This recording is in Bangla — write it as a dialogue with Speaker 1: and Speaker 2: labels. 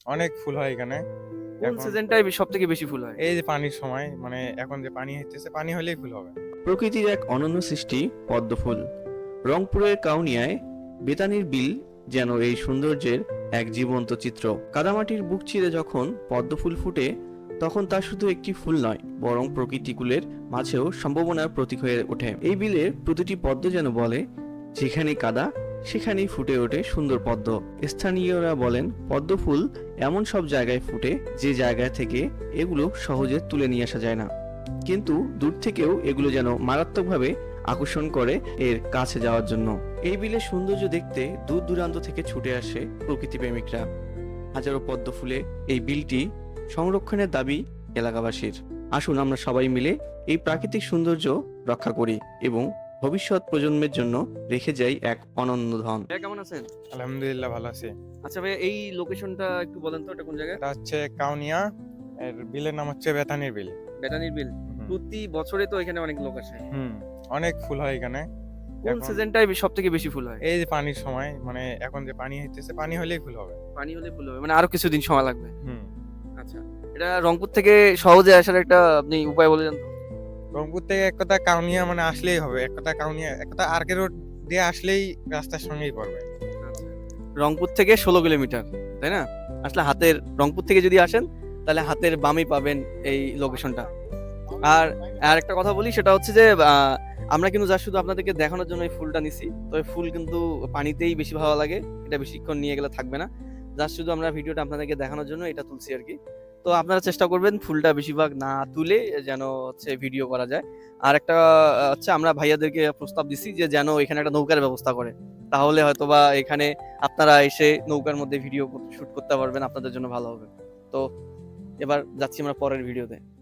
Speaker 1: অনেক ফুল হয় এখানে।
Speaker 2: কোন
Speaker 1: এখন
Speaker 2: সিজনটায় সব থেকে বেশি ফুল হয়?
Speaker 1: এই যে পানির সময়, মানে এখন যে পানি হইতেছে, পানি হলেই ফুল হবে।
Speaker 3: প্রকৃতির এক অনন্য সৃষ্টি পদ্মফুল। রংপুরের কাউনিয়ায় বেতানির বিল যেন এই সৌন্দর্যের এক জীবন্ত চিত্র। কাদামাটির বুক চিরে যখন পদ্মফুল ফুটে, তখন তা শুধু একটি ফুল নয়, বরং প্রকৃতিকুলের মাঝেও সম্ভাবনার প্রতীক হয়ে ওঠে। এই বিলের প্রতিটি পদ্ম যেন বলে, যেখানেই কাদা সেখানেই ফুটে ওঠে সুন্দর পদ্ম। স্থানীয়রা বলেন, পদ্মফুল এমন সব জায়গায় ফুটে যে জায়গা থেকে এগুলো সহজে তুলে নিয়ে আসা যায় না, কিন্তু দূর থেকেও এগুলো যেন মারাত্মকভাবে আকর্ষণ করে এর কাছে যাওয়ার জন্য। এই বিলের সৌন্দর্য দেখতে দূর দূরান্ত থেকে ছুটে আসে প্রকৃতি প্রেমিকরা। হাজারো পদ্ম ফুলে এই বিলটি সংরক্ষণের দাবি এলাকাবাসীর। আসুন আমরা সবাই মিলে এই প্রাকৃতিক সৌন্দর্য রক্ষা করি এবং ভবিষ্যৎ প্রজন্মের জন্য রেখে যাই এক অনন্য ধন।
Speaker 2: ভাইয়া কেমন আছেন?
Speaker 1: আলহামদুলিল্লাহ, ভালো আছি।
Speaker 2: আচ্ছা ভাইয়া, এই লোকেশনটা একটু বলেন তো, এটা কোন জায়গায়?
Speaker 1: এটা হচ্ছে কাউনিয়া, এর বিলের নাম হচ্ছে বেতানির বিল।
Speaker 2: বেতানির বিল।
Speaker 1: হুম।
Speaker 2: প্রতি বছরে তো এখানে অনেক লোক আসে।
Speaker 1: হুম, অনেক ফুল হয় এখানে।
Speaker 2: কোন
Speaker 1: এখন
Speaker 2: সিজনটায় সব থেকে বেশি ফুল হয়?
Speaker 1: এই যে পানির সময়, মানে এখন যে পানি হইতেছে, পানি হলেই ফুল হবে।
Speaker 2: পানি হলে ফুল হবে, মানে আরো কিছুদিন সময় লাগবে।
Speaker 1: হুম।
Speaker 2: আচ্ছা, এটা রংপুর থেকে সহজে আসার একটা আপনি উপায় বলে দেন তো।
Speaker 1: রংপুর থেকে এক কথা কাউনিয়া মানে আসলেই হবে, এক কথা কাউনিয়া, এক কথা আরকে রোড দিয়ে আসলেই রাস্তার সঙ্গেই পড়বে।
Speaker 2: আচ্ছা, রংপুর থেকে 16 কিলোমিটার, তাই না? আসলে হাতের রংপুর থেকে যদি আসেন, তাহলে হাতের বামেই পাবেন এই লোকেশনটা। আর আর একটা কথা বলি, সেটা হচ্ছে যে আমরা কিন্তু যা শুধু আপনাদেরকে দেখানোর জন্য এই ফুলটা নিছি। তবে ফুল কিন্তু পানিতেই বেশি ভালো লাগে, এটা বেশিক্ষণ নিয়ে গেলে থাকবে না। জাস্ট শুধু আমরা ভিডিওটা আপনাদেরকে দেখানোর জন্য এটা তুলছি আর কি। তো আপনারা চেষ্টা করবেন ফুলটা বেশিরভাগ না তুলে যেন হচ্ছে ভিডিও করা যায়। আর একটা হচ্ছে আমরা ভাইয়াদেরকে প্রস্তাব দিছি যে যেন এখানে একটা নৌকার ব্যবস্থা করে, তাহলে হয়তোবা এখানে আপনারা এসে নৌকার মধ্যে ভিডিও শুট করতে পারবেন, আপনাদের জন্য ভালো হবে। তো এবার যাচ্ছি আমরা পরের ভিডিওতে।